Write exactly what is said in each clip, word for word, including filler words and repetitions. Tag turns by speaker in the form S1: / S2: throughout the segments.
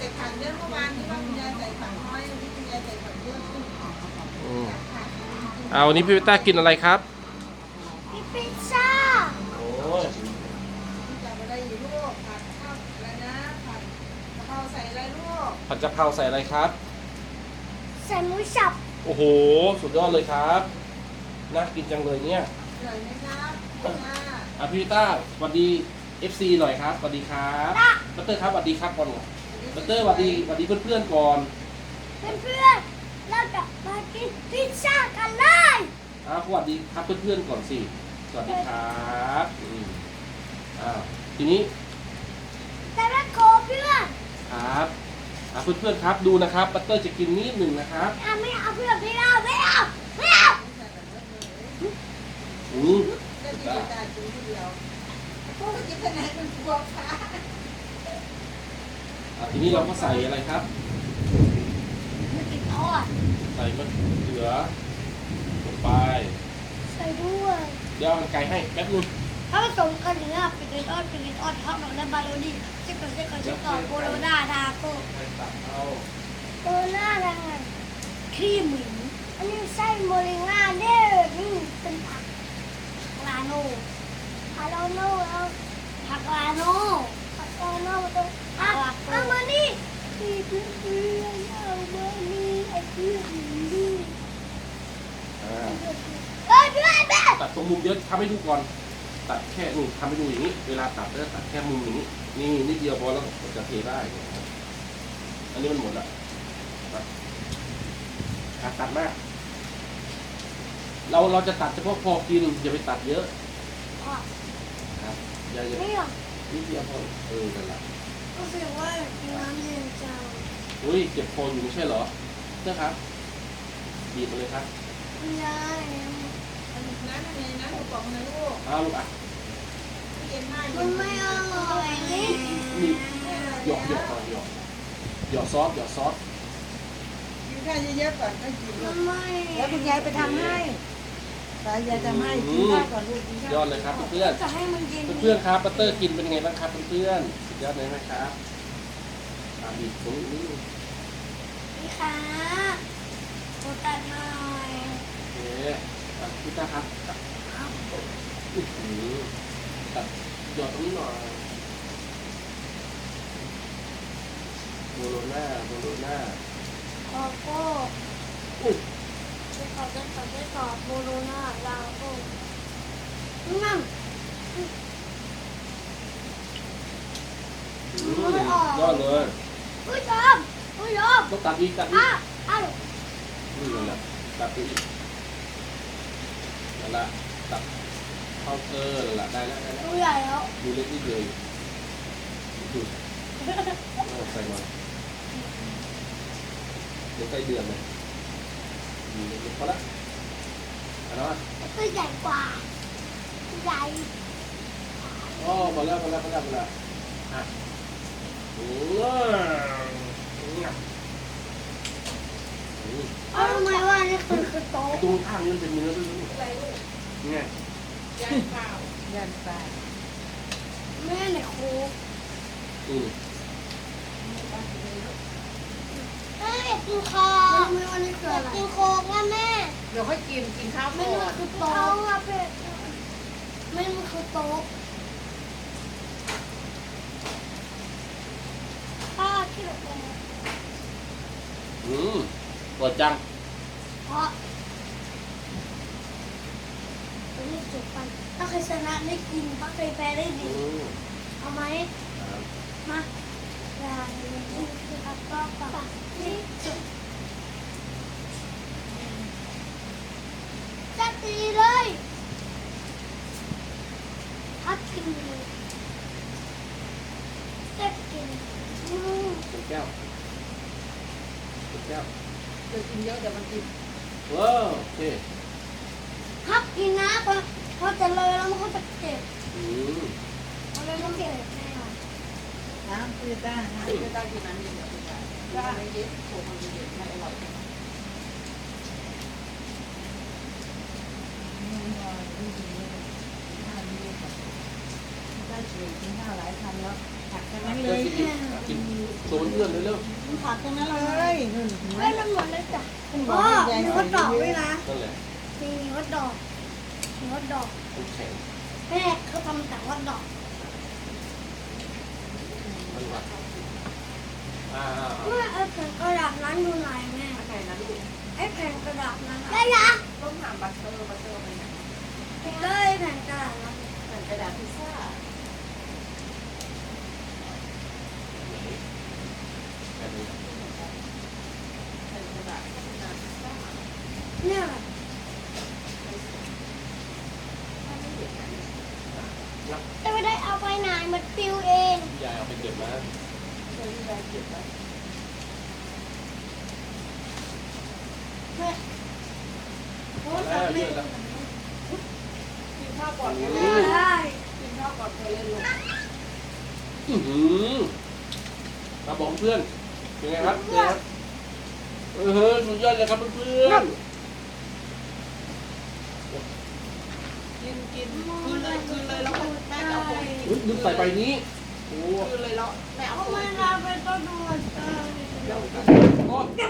S1: ส่ถังเยอะเมื่อวานที่ว่าคุณยายใส่ถังน้อยวันนี้คุณยายใส่ถังเยอะขึ้นค่ะ
S2: อืมเอาวันนี้พี่เบต้ากินอะไรครับ
S3: มีพิซซ่า
S2: โอ้ย
S1: จะอะไรอยู่ลูกผัดข้าวอะไรนะผัดกะเพราใส่อะไรลูก
S2: ผัดกะเพราใส่อะไรครับ
S3: ใส่หมูสับ
S2: โอ้โหสุดยอดเลยครับน่ากินจังเลยเนี่ย
S1: เหนื่อยไหมครับค่ะ
S2: อ่ะพี่เบต้าสวัสดี เอฟ ซี หน่อยครับสวัสดีครับบัตเตอร์ครับสวัสดีครับก่อนบัตเตอร์สวัสดีสวัสดีเพื่อนๆก่อน
S3: เพื่อนๆเราจะมากินพิซซ่ากันเลย
S2: อ่าสวัสดีครับเพื่อนๆก่อนสิสวัสดีครับอืมอ่าทีนี้
S3: แต่ละโคเพื่อน
S2: ครับอ่าเพื่อนๆครับดูนะครับบัตเตอร์จะกินนิดหนึ่งนะครับ
S3: อ่ะไม่เอาเพื่อนไม่เอาไม่เอาไม่เอา
S2: อืม
S1: ได้กินแต่จุ่มเดียวพวกกินขนาดมันบวกค่ะ
S2: อ่าทีนี้เราก็ใส่อะไรครับ
S3: ไม่กินทอด
S2: ใส่มะเขือลงไป
S3: ใส่ด้วย
S2: เดี๋ยวเอามันไก่ให้แป๊บนึง
S3: ถ้าผสมกันอย่างเงี้ยเป็นทอดเป็นทอดทอดหน่อยแล้วบาโรนี่เจ๊ก่อนเจ๊ก่อนเจ๊ก่อนโบโลนาดาโก้
S2: ไปตักเอา
S3: โบโลนาดาครีมหมูอันนี้ไส้โมริง่าเด้อนี่เป็นผักลาโน่ผักลาโน่แล้วผักลาโน่ผักลาโน่ตรงอ่ะเอามานี่พี่เพื่อนเพื่อนเอามานี่ไอ้เพื่อนนี่
S2: อ่า
S3: เอ้ยเพื่อนแม่
S2: ตัดตรงมุมเยอะทำให้ดูก่อนตัดแค่นี่ทำให้ดูอย่างนี้ เวลาตัดก็ตัดแค่มุมอย่างนี้นี่นิดเดียวพอแล้วจะเทได้นะครับอันนี้มันหมดละอ่ะตัดมาก เราเราจะตัดเฉพาะพอกินอย่าไปตัดเยอะ
S3: พ่อ
S2: ครับอย่าอย่า
S3: ไม่หรอก
S2: นิดเดียวพอเออนั่นแหละ
S3: รู้สึกว่าน้ำเย็นจัง
S2: อุ้ยเจ็บคออยู่ไม่ใช่เหรอเจ้าครับบีบมาเลยครับ
S3: คุณยาย
S1: น้ำในน้ำกระป๋องนะลูก
S2: เอาลูกอ่ะ
S1: เย็นมาก
S3: มันไม่อร่อยนี่
S2: นี่หยอกหยอกก่อนหยอกหยอกซอสหยอกซอส
S1: กินข้าวเยอะๆก่อนก็กิน
S3: มันไม่
S1: แล้วคุณยายไปทำให้สายยายทำให้กินข้าวก่อนลูกกินข้าวย
S2: อดเลยครับเพื่อน
S3: จะให้มันเย็น
S2: เพื่อนๆครับบัตเตอร์กินเป็นไงบ้างครับเพื่อนๆสุดยอดเลยไหมครับอ่าบีบตรงนี้
S3: นี่ค่ะโคตัดหน่อย
S2: โอเคอ่ะพี่ตาครับตัดอื้อหือตัดหยอดตรงนี้หน่อยโบโลน่าโบโลน่า
S3: โกโก้
S2: อุ้ย
S3: ไปขอไปขอไปขอโบโลนาลาโก้นั่ง
S2: อื้อยอดเลย
S3: ผู้ชมผู้ชม
S2: ต้องตัดอีกตัดอี
S3: อ่ะ
S2: ก
S3: อ่ะ
S2: นี่นั่นแหละตัดไปอีกนั่นแหละตัดเข้าเออนั่นแหละได้แล้วได้แล้ว
S3: ดูใหญ่แล้ว
S2: ดูเล็กนิดเดียวดูเอาใส่มาเดี๋ยวใกล้เดือนเลยดูเล็กๆพอละเอาละ
S3: ตัวใหญ่กว่าใหญ่
S2: อ๋อพอแล้วพอแล้วพอแล้วพอแล้วอ่ะโอ้ย
S3: เอาทำไมว่านี่คือคือโต๊ะ
S2: ตรงข้างนี้มันเป็นเนื้อด้วยนี่
S1: อะไรลูก
S2: ไง
S1: ยันเปล่ายันเปล่า
S3: แม่ไหนครู
S2: อืม
S3: แม่อยากกินคอไม่ว่านี่คืออะไรอยากกินโค้กนะแม่
S1: เดี๋ยวค่อยกินกินข้าว
S3: ไม่
S1: ก่อ
S3: มัน
S1: น
S3: คือโต๊ะอะเป็ดไม่มันคือโต๊ะป้าคิดแบบไหน
S2: อืมเปิดจัง
S3: เพราะตอนนี้จบกันถ้าใครชนะได้กินถ้าใครแพ้ได้
S2: อื
S3: ดี
S2: ม
S3: เอาไหม
S2: ครับ
S3: มาอย่างนี้คืออัปปะปะนี่จบจัดดีเลยพักกินเลยจัดกินอืม
S2: เป็นแก้วเป็นแก้ว
S1: เดี๋ยวกินเยอะเดี๋ยวมันกิน
S2: ว้าวโอเค
S3: พักกินนะพอพอจะเลยแล้วมันก็จะเจ็บ
S2: อืม
S3: พอเลยมันเจ็บแน่นอน
S1: น้ำคือต้าน้ำคือต้ากินน้ำเย็นเดี๋ยวคุณยายต้าไม่เย็นโขกมันเย็นไม่อร่อยได้ช่วยกินข้าวหลายคำแล้วผักทั้งนั้นเล
S2: เจ้าย กินอีกกินโชว์เพื่อนเร็ว
S1: ผักตรงนั้นเลยนู่น
S3: เฮ้ยมันหมดเลยจ้ะ
S1: คุณบ
S3: อ๋
S1: อ
S3: อก
S1: ให้ยาย
S3: มี
S1: ใส่
S3: ฮอตดอก
S1: เย
S3: ด้วย
S1: อะ
S3: นะ
S2: ๆนั่นแหละ
S3: มีฮอตดอกมีฮอตดอก
S2: น้ำแข็ง
S3: แม่เขาทำจากฮอตดอก
S2: มันว่าอ่า
S3: แม่ไอ้แผ่นกระดาษนั้นอยู่ไหนแม่
S1: ไหนนะลูก
S3: ไอ้แผ่นกระดาษนั้นได้ละ
S1: ต้องถามบัตเตอร์บัตเตอร์ไปไหน
S3: เลยแผ่นกระดาษนั้น
S1: เหมือนกระดาษพิซซ่า
S2: แค่นี้
S1: เป็นกระดาษกระดาษพิซซ่า
S3: เนี่ย จะไม่ได้เอาไปไหนมันปิวเอง
S2: ยายเอาไปเก็บมา
S1: เคยยายเก็บไว้
S3: แม่
S1: โอ้
S2: แล้ว
S1: ทำ
S2: เย
S1: เล่น
S2: อะแล้ว
S1: กินข้าวก่อนไป
S3: ได
S1: เล่น้ กินข้าวก่อนไปเล่นลูก
S2: อือหือมาบอกเพื่อนเป็นไงครับเป็นไงครับเออเฮ้ยสุดยอดเลยครับเพื่อน
S1: กินกินคืนเลยคืนเลยแล้วก็แม่เอาไป
S2: ๆอุ๊ยลืมใส่ใบนี้โอ้
S1: คืนเลยแล้วแม่เอา
S3: เอา
S1: ไป
S3: มาเราไปต้นดูมันเออ
S1: เดี๋ยว
S2: โอ้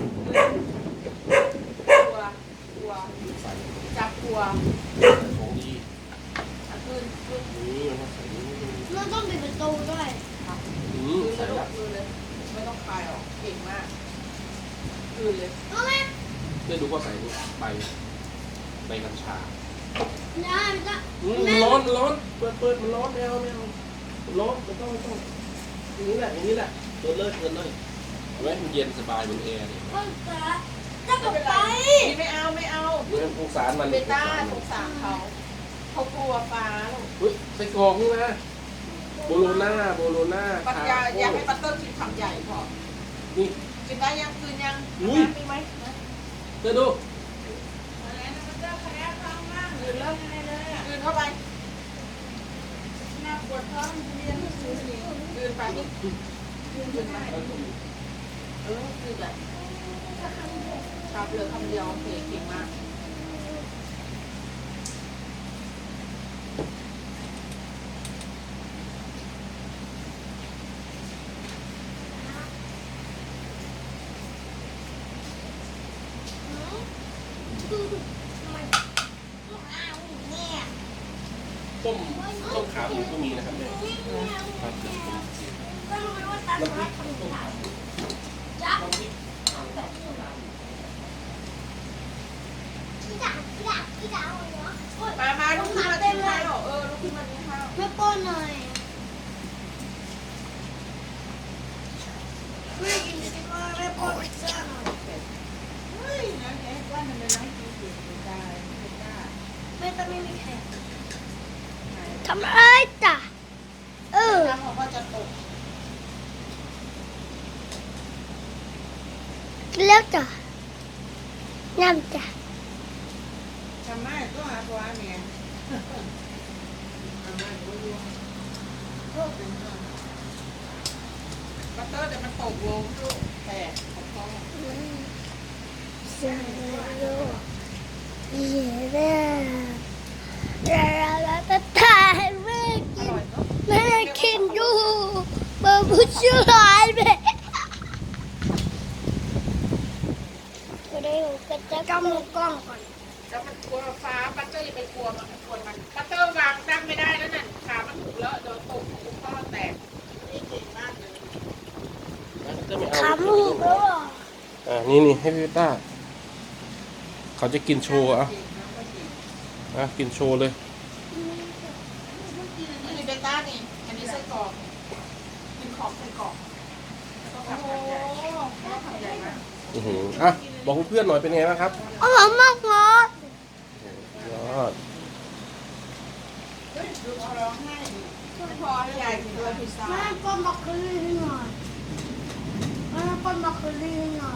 S1: กลัวกลัว
S2: ใส่
S1: จับกลัว
S2: ของดี
S1: อ่ะคืนคืน
S2: นี่มันใส่นี่
S3: เราต้องปิดประตูด้วย
S2: อื
S1: คื
S2: ม
S1: นเล
S2: ใส่
S1: ยลู
S2: ละ
S1: กคืนเลยไม่ต้องคลายออกเก่งมากคืนเลย
S3: เอาไหม
S2: เพื่อนดูก็ใส่นี่ใบใบกัญชา
S3: ได้จ้ะ
S2: อืมมันร้อนมันร้อนเปิดเปิดมันร้อนไม่เอาไม่เอามันร้อนมันต้องไม่ต้องอย่างนี้แหละอย่างนี้แหละเปิดเลยเปิดเลยเอาไว้มันเย็นสบายบนแอร์เนี่ย
S3: ก็จะจะกลับไป
S1: นี่ไม่เอาไม่เอา
S2: เรื่องสงสารมัน
S1: เบต้าสงสารเขาเขากลัวฟ้าลูก
S2: เฮ้ยใส่กรอกนี่นะโบโลน่าโบโลน่า
S1: ปัญ
S2: คา
S1: ญาอยาก
S2: โก้
S1: ให้บัตเตอร์กินคำใหญ่พอ
S2: นี่
S1: กินได้ยังคืนยัง
S2: อุ้ย
S1: น้ำมีไหมนะ
S2: เธอดู
S1: อะไรนะบัตเตอร์แพ้ท้องมากคืนแล้วคืนเข้าไปหน้าปวดท้องเรียนคืนคืนไปคืนคืนไปเออคืนแบบชาเปลือกคำเดียวโอเคเก่งมาก
S2: ต้มต้มขาหมูก็มีนะครับเนี่ยครับเดี๋ยวผม
S3: ก็รู้ว่าตา
S2: น้ำพริ
S3: ฟ้าก ทำ
S2: ต้ม
S3: ขา
S2: ขาหมู
S3: จ้ะ
S2: น้ำพริก
S3: พี่ด่าพี่ด่าพี่ด่าเอาเนาะ
S1: มามาลุกขึ้นมากินข้าวเออลุกขึ้นมากินข้าว
S3: ไม่ป้อนหน่อยไม่กินดีกว่าไม่ป้อนพิซซ่าหน่อย
S1: เฮ้ยนะแกว่ามันเป็นน้ำกินสิไม่ได้ไม่ได้
S3: ไม่ต้องไม่มีแขก
S1: ไหน
S3: ทำอะไรจ้ะเออ
S1: น้ำเขาก็จะตก
S3: แล้วจ้ะน้ำจ้ะ
S1: ทำไมก็หาตัวเมียทำไมก็ดูบัตเตอร์แต่มันตกลงลูกแตกของพ่อ
S3: เสียโลเย่เร่เราเราจะถ่ายแม่
S1: อ
S3: กิน
S1: ร่อยเนาะ
S3: แม่กินอยู่บะบุช่วยแม่ก็ได้ก็จะกำมือกล้องก่อน
S1: แล้วมันกลัวฟ้าบัตเตอร์อย่าไปกลัวมันกลัวมันบัตเตอร์วางตั้งไม่ได้แล้วนั่นขามันถูกแล้วเดี๋ยวตกของพ่อแตกนี่เก่งมากเลย
S2: จะไม่เอา
S3: ขาหมูก็
S2: อ่านี่นี่ให้พี่ต้าเขาจะกินโชว์อ่ะอ่ะกินโชว์เลย
S1: อันนี้เบต้านี่ อันนี้ไส้กรอกกินของไส้กรอกแล้วก็ทำใหญ่แล้วทำใหญ่มาก
S2: อือหืออ่ะบอกเพื่อนๆหน่อยเป็นไงบ้างครับ
S3: อร่อยมากเลย
S2: ยอด
S1: เฮ้ยดูเขาร้องไห้ดิไม่พอให้ยายกินด้วยพิซซ่า
S3: แม่ป้อนบล็อกโคลี่ให้หน่อยแม่ป้อนบล็อกโคลี่ให้หน่อย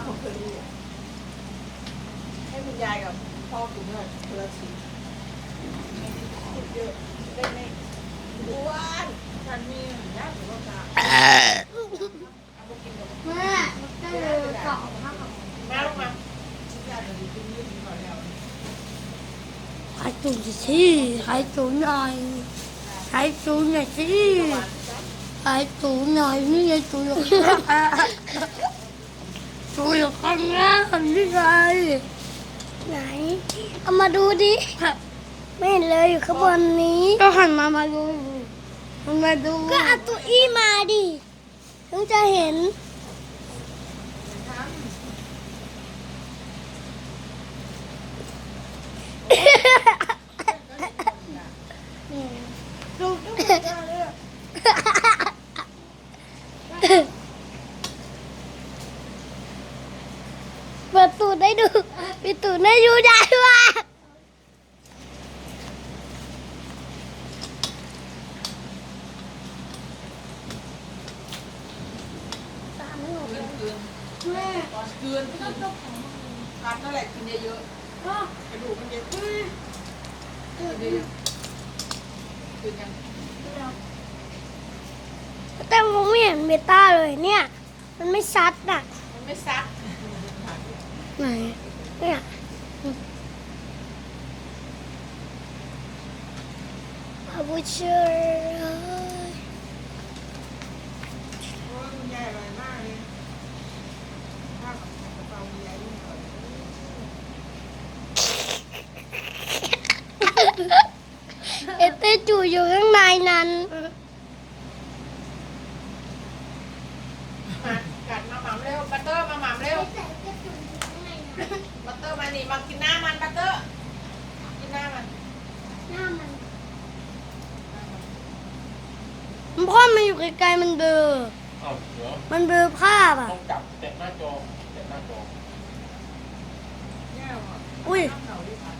S1: ให้คุณยายกับพ่อกินด้วยคนละชิ้นกินเยอะได้ไหมอ้วนฉันมีญาติหรือว่าตาเอาไปกินกับ
S3: แม่ได้เลยสองมาก
S1: แม่ลงมาญาติจะดีขึ้นยืดหน่อยแล้ว
S3: ใครจูนสิใครจูนหน่อยใครจูนหน่อยสิ
S1: หวานจ้ะ
S3: ไอ้ตูหน่อยนี่ไงตูอยู่ข้างหน้าตูอยู่ข้างหน้านี่ไงไหนเอามาดูดิไม่เห็นเลยอยู่ข้างบนนี้ก็หันมามาดูมันมาดูก็เอาตัวอี้มาดิถึงจะเห็นดูดูเปิดตูดได้ดูปิดตูดได้ดูได้ว่าสามหนู
S1: คืนคืน
S3: แม่
S1: ตอนคืนคืนกัดนั่นแหละกินเยอะ
S3: พ่อก
S1: ระดูกมันเยอะกินเยอะคืนยัง
S3: แต่มองไม่เห็นเบต้าเลยเนี่ย มันไม่ซัดอ่ะ
S1: มันไม่ซัก
S3: ไหนเนี่ยพาบูเชอร์
S1: โอ้ยคุณยายอร่อยมากเลยข้าวกับกะเพราคุณยายยิ่งอร่อย
S3: เอเต้จูอยู่ข้างในนั้น
S1: มากัดมาหม่ำเร็วบัตเตอร์มาหม่ำเร็วบัตเตอร์มานี่มากินหน้ามันบัตเตอร์กินหน้ามัน
S3: หน้ามันมันพ่อมันอยู่ไกลๆมันเบลอ
S2: เอ้าเดี๋ยว
S3: มันเบลอภาพอ่ะ
S2: ต้องจับแตะหน้าจอแตะหน้าจอ
S1: แย่ว่ะ
S3: อุ้ย
S1: น้ำเหนาดิค่ะ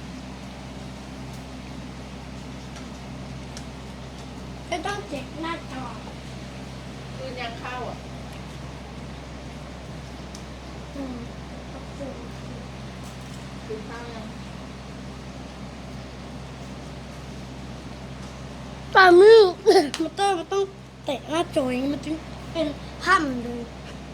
S3: จะต้องเจ็บหน้าจอ
S1: คืนยังเข้าอ่ะ
S3: อืม
S1: คืนข้าวยัง
S3: ตามมือมันต้องมันต้องเตะหน้าจออย่างนี้มันจึงเป็นภาพมันเลย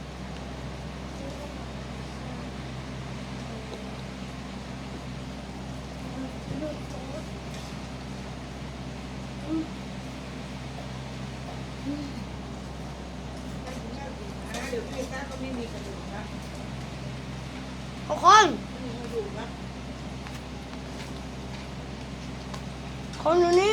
S1: อ่าเดี๋ยวพี่ต้าก็ไม่มีกระดูกนะ
S3: ทุกคน
S1: ไม่มีกระดูกนะ
S3: คนอยู่นี่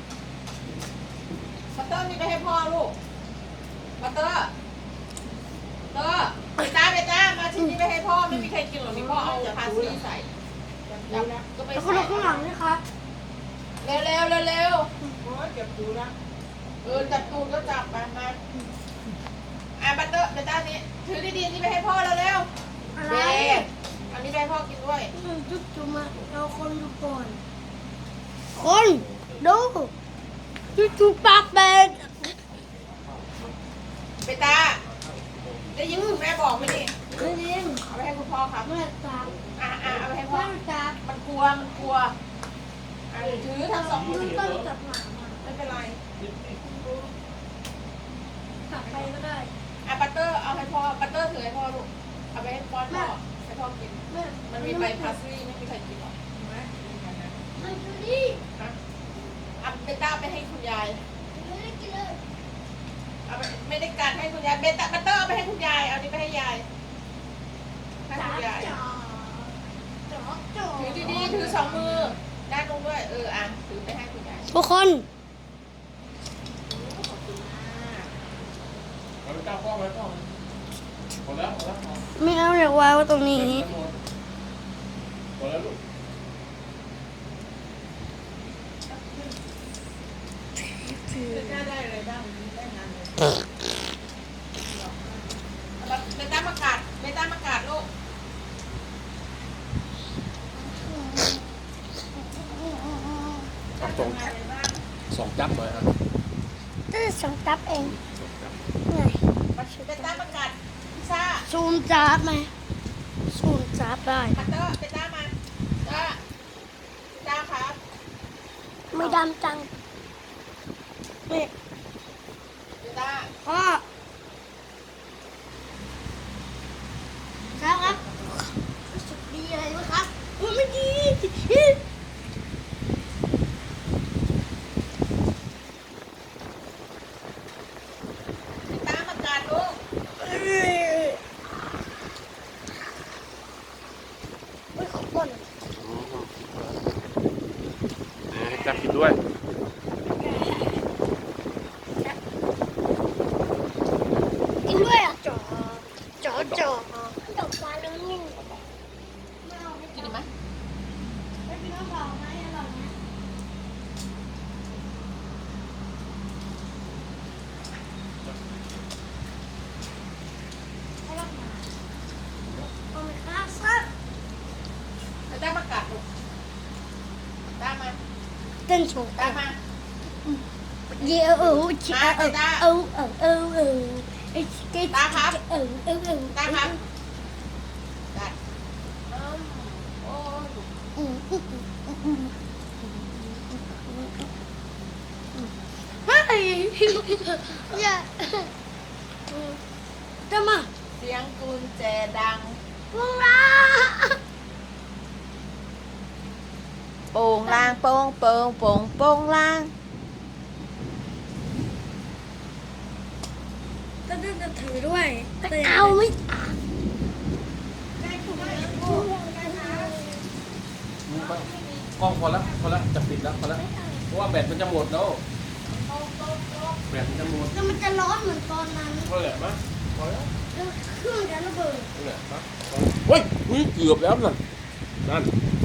S1: บัตเตอร์นี่ไปให้พ่อลูกบัตเตอร์เตอร์ไปจ้าไปจ้ามาชิ้นนี้ไปให้พ่อไม่มีใครกินหรอกนี่พ่อเอาพาสลีใส่จับก็ไป
S3: แล้วคน
S1: ใส่
S3: ข้างหลังนี่ครับ
S1: เร็วเร็วเร็วเร็วโอ้ยเจ็บตูนะเออจับตูนก็จับมามาอ่ะบัตเตอร์ไปจ้านี้ถือดีๆนี่ไปให้พ่อเร็ว
S3: อะ
S1: ๆ
S3: ไร
S1: เด็กอันนี้ไปให้พ่อกินด้วย
S3: จุ๊บจุ๊บมาเราคนดูก่อน คนดูจุ๊บจุ๊บปากแบน
S1: ไปตาได้ยินคุณแม่บอกไหมนี่
S3: ไม่เลี้ยง
S1: เอาไปให้คุณพ่อครับ
S3: แม่จับ
S1: อ่ะอ่ะเอาไปให้พ่อ
S3: แม่จับ
S1: มันกลัวมันกลัวอ่ะถือทั้งสองมือ
S3: ต้องจับหมา
S1: ไม่เป็นไร
S3: จับไปก็ได้
S1: อ่ะบัตเตอร์เอาให้พ่อบัตเตอร์ถือให้พ่อลูกเอาไปให้ป้อนพ่อให้พ่อกิน
S3: แม่
S1: มันมีใบพาสลีย์ไม่มีใครกินหรอกเห็นไหมมีกันนะ
S3: มันดูดิ
S1: ฮะเอาเบต้าไปให้คุณยาย
S3: ไม่ได้กินเลย
S1: เอาไปไม่ได้การให้คุณยายเบต้าบัตเตอร์เอาไปให้คุณยายเอานี้ไปให้ยายให้
S3: จั
S1: คุ
S3: บ
S1: ณยาย
S3: จ่อจ่อจ่อ
S1: ถือดีๆถือสองมือด้านลงด้วยเอออ่ะถือไปให้คุณยาย
S3: ทุกคน
S1: ขอบคุณมาก
S2: เอาไปจ้าพ่อไว้พ่อหมดแล้วหมดแล้วพอ
S3: ไม่เอาอยากวางไว้ตรงนี้
S2: หมดแล้วลูก
S1: คือหน้าได้อะไรบ้างได้งานเลยเบต้ามากาดเบต้ามากาดลูก
S2: เอาสอง
S1: งานอะไรบ้าง
S2: สองจับหน่อยครับ
S3: จะสองจับเอง
S2: สองจับ
S3: ไง
S1: เบต้ามากาดพิซซ่า
S3: ซูมจับไหมซูมจับได้
S1: คัตเตอร์เบต้ามาจ้าจ้าครับ
S3: ไม่ดำจังนี่
S1: เบต้า
S3: พ่อครับรู้สึกดีอะไรไหมครับมันไม่ดีเต้นโชว์
S1: ตามมา
S3: เยอะเออชิเออเออเออเออเออไอ้เจ๊เออเออเออเออ
S1: ตามครับกัดโอ้ย
S3: อืมอืมอืมเฮ้ยอย่าจะมา
S1: เสียงกุญแจดัง
S3: วงลา
S1: โป่งลางโป่งโป่งโป่งโป่งลาง
S3: ก็จะถือด้วยเอาไม่อ่าน
S2: มือบ้างกล้องพอแล้วพอแล้วจะปิดแล้วพอแล้วเพราะว่าแบตมันจะหมดแล้วแบตมันจะหมด
S3: แล้วมันจะร้อนเหมือนตอนนั้น
S2: พอแล้วมั้ยพอแล้ว
S3: แล้วเครื่องจะระเบิด
S2: นี่แหละมั้ยเฮ้ยเกือบแล้วนั่นนั่น